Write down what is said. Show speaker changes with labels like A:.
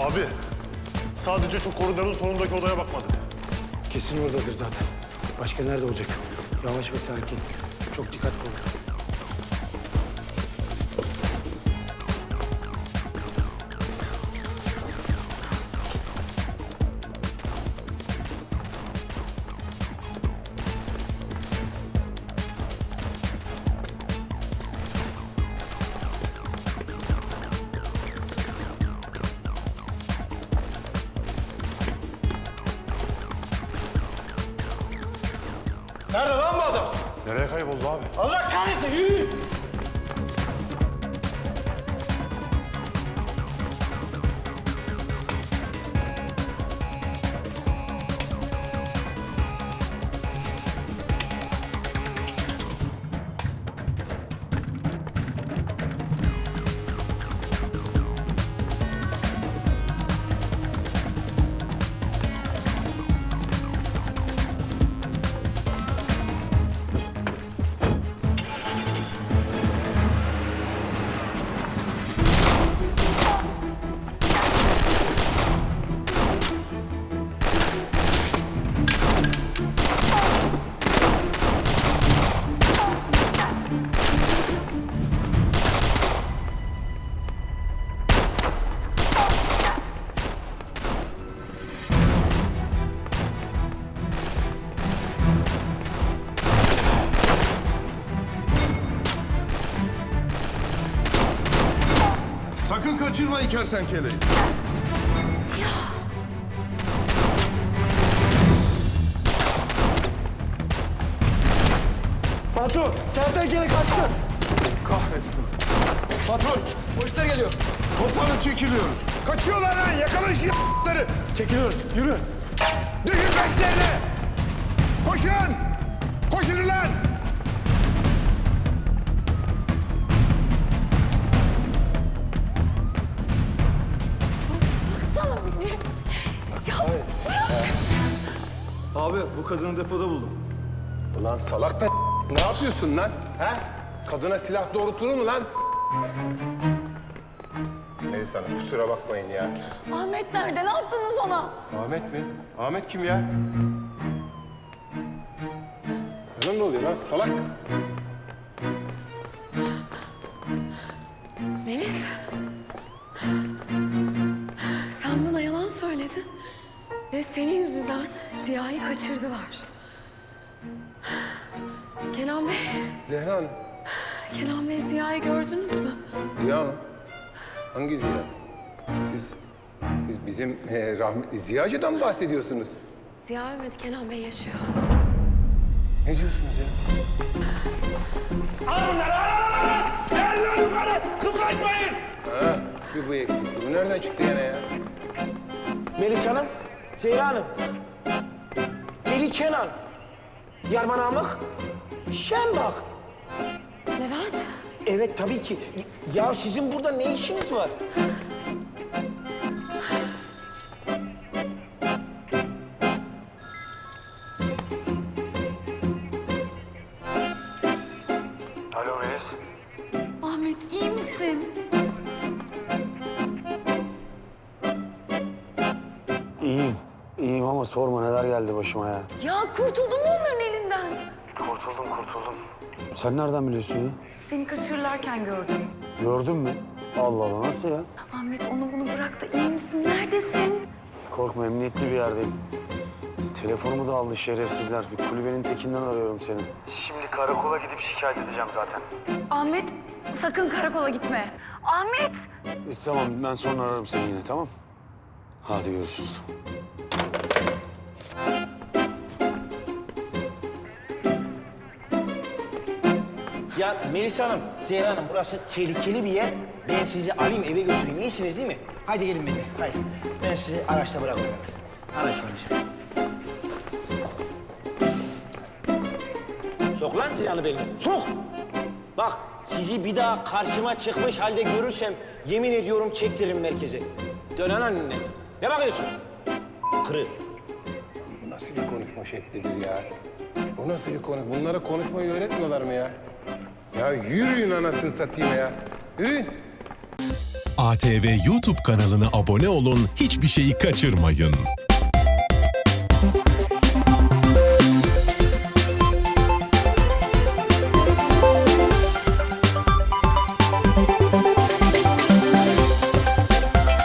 A: Abi, sadece şu koridorun sonundaki odaya bakmadık.
B: Kesin oradadır zaten. Başka nerede olacak? Yavaş ve sakin. Çok dikkatli ol.
C: Nerede lan bu adam?
A: Nereye kayboldu abi?
C: Allah kahretsin, yürü!
A: Sakın kaçırmayın kertenkeleyi.
C: Patron, kertenkele kaçtı.
A: Kahretsin.
C: Patron, polisler geliyor.
A: Komutanım çekiliyoruz.
D: Kaçıyorlar lan! Yakalayın şu y***ları!
C: Çekiliyoruz, yürü.
D: Düşün peşlerine! Koşun! Koşun ulan!
E: Baksana beni. Ya
C: Abi, bu kadını depoda buldum.
D: Ulan salak be ne yapıyorsun lan? He? Kadına silah doğrultulur mu lan? Neyse hanım kusura bakmayın ya.
E: Ahmet nerede? Ne yaptınız ona?
D: Ahmet mi? Ahmet kim ya? Sana ne oluyor lan salak?
E: Melis. Sen bana yalan söyledin. Ve senin yüzünden Ziya'yı kaçırdılar. Kenan Bey,
D: Zehra Hanım.
E: Kenan Bey Ziya'yı gördünüz mü?
D: Ziya mı? Hangi Ziya? Siz bizim rahmetli Ziyacı'dan bahsediyorsunuz.
E: Ziya ölmedi, Kenan Bey yaşıyor.
D: Ne diyorsunuz ya?
C: Al bunları, al! Gel lan yukarı, kıpraşmayın!
D: Ha, bir bu eksikti. Bu nereden çıktı yine ya?
B: Melis Hanım, Zehra Hanım. Deli Kenan. Yarman Amık. Şembak.
E: Levent,
B: Evet tabii ki. Ya sizin burada ne işiniz var?
C: Alo Melis.
E: Ahmet iyi misin?
B: İyiyim. İyiyim ama sorma neler geldi başıma ya.
E: Ya kurtuldun mu onların elinden?
C: Kurtuldum.
B: Sen nereden biliyorsun ya?
E: Seni kaçırırlarken gördüm.
B: Gördün mü? Allah Allah nasıl ya?
E: Ahmet onu bunu bırak da iyi misin? Neredesin?
B: Korkma emniyetli bir yerdeyim. Telefonumu da aldı şerefsizler. Bir kulübenin tekinden arıyorum seni.
C: Şimdi karakola gidip şikayet edeceğim zaten.
E: Ahmet sakın karakola gitme. Ahmet!
B: Tamam ben sonra ararım seni yine tamam. Hadi görüşürüz.
F: Ya Melisa Hanım, Zehra Hanım burası tehlikeli bir yer. Ben sizi alayım eve götüreyim. İyisiniz değil mi? Haydi gelin benimle. Haydi. Ben sizi araçta bırakıyorum. Araç var işte. Sok lan silahını benim. Sok! Bak sizi bir daha karşıma çıkmış halde görürsem yemin ediyorum çektiririm merkeze. Dönen annene. Ne bakıyorsun? Kırı.
D: Bu nasıl bir konuşma şeklidir ya? Bu nasıl bir konu? Bunlara konuşmayı öğretmiyorlar mı ya? Ya yürüyün anasını satayım ya. Yürüyün.
G: ATV YouTube kanalına abone olun, hiçbir şeyi kaçırmayın.